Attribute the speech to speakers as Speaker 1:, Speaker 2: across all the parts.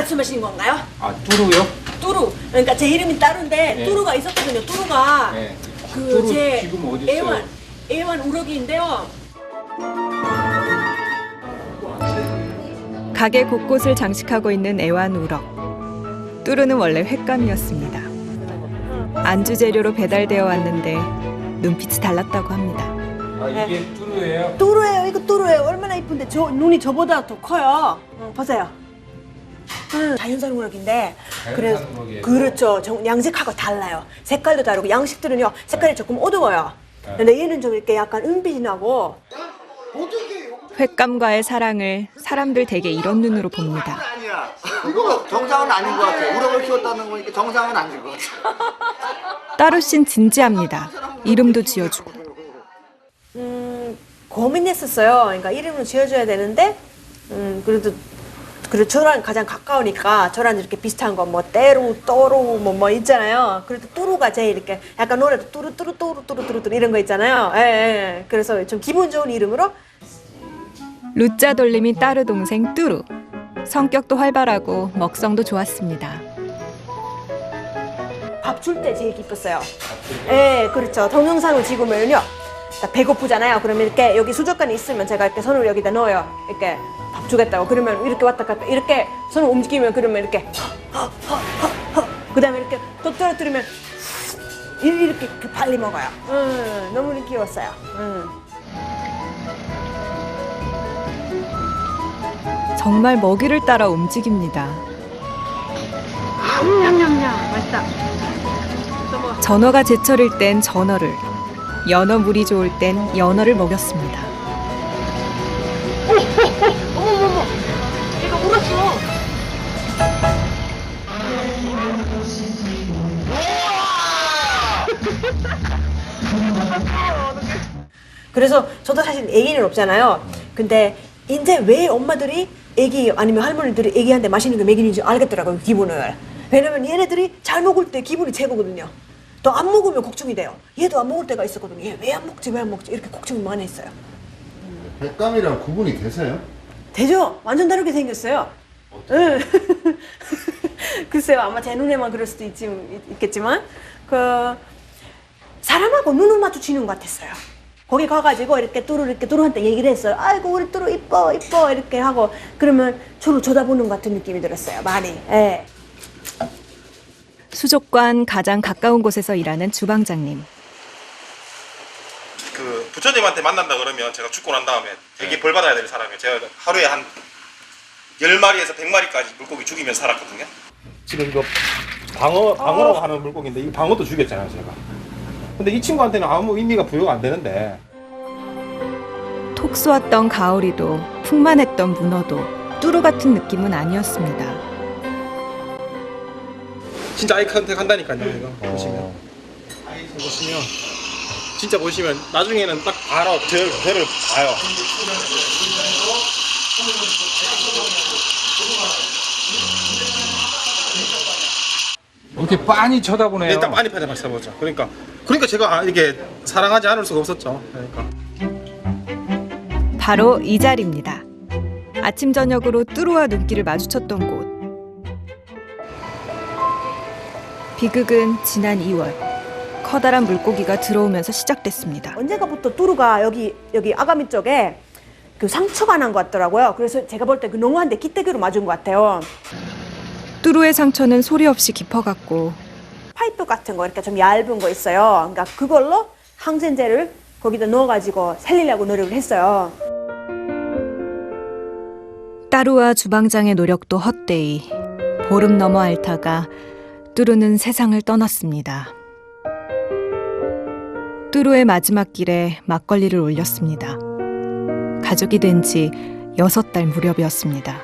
Speaker 1: 말씀하시는 건가요?
Speaker 2: 아, 뚜루요?
Speaker 1: 뚜루. 그러니까 제 이름이 따루인데
Speaker 2: 네.
Speaker 1: 뚜루가 있었거든요. 뚜루가
Speaker 2: 네.
Speaker 1: 그
Speaker 2: 뚜루
Speaker 1: 제
Speaker 2: 지금 어디 있어요?
Speaker 1: 애완 우럭이인데요.
Speaker 3: 가게 곳곳을 장식하고 있는 애완우럭. 뚜루는 원래 횟감이었습니다. 안주 재료로 배달되어 왔는데 눈빛이 달랐다고 합니다.
Speaker 2: 아, 이게 뚜루예요?
Speaker 1: 뚜루예요. 이거 뚜루예요. 얼마나 이쁜데 눈이 저보다 더 커요. 보세요. 자연산 우럭인데
Speaker 2: 자연산 우럭이에요?
Speaker 1: 그렇죠. 양식하고 달라요. 색깔도 다르고 양식들은요 색깔이 조금 어두워요. 근데 얘는 좀 이렇게 약간 은빛이 나고.
Speaker 3: 횟감과의 사랑을 사람들 대개 이런 눈으로 봅니다.
Speaker 4: 아니야. 이거 정상은 아닌 것 같아. 우럭을 키웠다는 거니까 정상은 아닌 것 같아.
Speaker 3: 따루씨는 진지합니다. 이름도 지어주고.
Speaker 1: 고민했었어요. 그러니까 이름을 지어줘야 되는데 그래도 저랑 가장 가까우니까 저랑 이렇게 비슷한 거 뭐 때루, 또루 뭐 있잖아요. 그래도 뚜루가 제일 이렇게 약간 노래도 뚜루 이런 거 있잖아요. 예. 그래서 좀 기분 좋은 이름으로.
Speaker 3: 루짜 돌림이 따루 동생 뚜루. 성격도 활발하고 먹성도 좋았습니다.
Speaker 1: 밥 줄 때 제일 기뻤어요. 예, 그렇죠. 동영상을 찍으면요. 배고프잖아요. 그러면 이렇게 여기 수족관이 있으면 제가 이렇게 손을 여기다 넣어요. 이렇게 밥 주겠다고. 그러면 이렇게 왔다 갔다 이렇게 손을 움직이면 그러면 이렇게 그다음에 이렇게 또 떨어뜨리면 이렇게 빨리 먹어요. 너무 귀여웠어요.
Speaker 3: 정말 먹이를 따라 움직입니다.
Speaker 1: 맛있다.
Speaker 3: 전어가 제철일 땐 전어를, 연어 물이 좋을 땐 연어를 먹였습니다.
Speaker 1: 어머머머, 얘가 울었어. 그래서 저도 사실 애기는 없잖아요. 근데 이제 왜 엄마들이 애기 아니면 할머니들이 애기한테 맛있는 거 먹이는지 알겠더라고요, 기분을. 왜냐면 얘네들이 잘 먹을 때 기분이 최고거든요. 또 안 먹으면 걱정이 돼요. 얘도 안 먹을 때가 있었거든요. 얘 왜 안 먹지 이렇게 걱정이 많이 했어요.
Speaker 5: 횟감이랑 구분이 되세요?
Speaker 1: 되죠? 완전 다르게 생겼어요. 응. 글쎄요, 아마 제 눈에만 그럴 수도 있겠지만 사람하고 눈을 마주치는 것 같았어요. 거기 가가지고 이렇게 뚜루한테 얘기를 했어요. 아이고 우리 뚜루 이뻐 이렇게 하고 그러면 저를 쳐다보는 것 같은 느낌이 들었어요. 많이. 예.
Speaker 3: 수족관 가장 가까운 곳에서 일하는 주방장님.
Speaker 6: 그 부처님한테 만난다 그러면 제가 죽고 난 다음에 되게 벌 받아야 될 사람이에요. 제가 하루에 한 10마리에서 100마리까지 물고기 죽이면 살았거든요. 지금 이거 방어라고 하는 물고기인데 이 방어도 죽였잖아요, 제가. 근데 이 친구한테는 아무 의미가 부여가 안 되는데.
Speaker 3: 톡 쏘았던 가오리도 풍만했던 문어도 뚜루 같은 느낌은 아니었습니다.
Speaker 6: 진짜 아이 컨택 한다니까요, 이거 보시면. 보시면 진짜 보시면 나중에는 딱 바로 저를 봐요.
Speaker 2: 이렇게 빤히 쳐다보네요.
Speaker 6: 일단 많이 받아봤어보죠. 그러니까 제가 이게 사랑하지 않을 수가 없었죠. 그러니까.
Speaker 3: 바로 이 자리입니다. 아침 저녁으로 뚜루와 눈길을 마주쳤던 곳. 비극은 지난 2월 커다란 물고기가 들어오면서 시작됐습니다.
Speaker 1: 언젠가부터 뚜루가 여기 아가미 쪽에 그 상처가 난 것 같더라고요. 그래서 제가 볼 때 그 농어한테 기대기로 맞은 것 같아요.
Speaker 3: 뚜루의 상처는 소리 없이 깊어갔고
Speaker 1: 파이프 같은 거 이렇게 좀 얇은 거 있어요. 그러니까 그걸로 항생제를 거기다 넣어가지고 살리려고 노력을 했어요.
Speaker 3: 따루와 주방장의 노력도 헛되이 보름 넘어 앓다가 뚜루는 세상을 떠났습니다. 뚜루의 마지막 길에 막걸리를 올렸습니다. 가족이 된 지 6달 무렵이었습니다.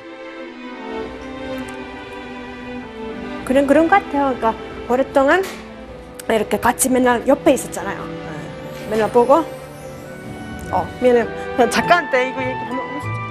Speaker 1: 그런 것 같아요. 그러니까 오랫동안 이렇게 같이 맨날 옆에 있었잖아요. 맨날 보고 미안해요. 작가한테 이거 얘기 한번 하고 싶다.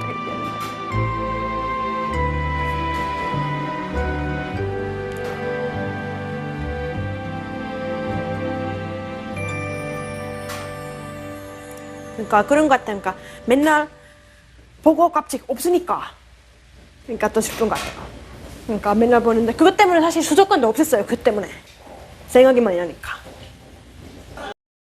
Speaker 1: 그러니까 그런 것 같아요. 그러니까 맨날 보고 갑자기 없으니까. 그러니까 더 슬픈 것 같아요. 그러니까 맨날 보는데 그것 때문에 사실 수도권도 없앴어요. 그 때문에 생각이 많이 나니까.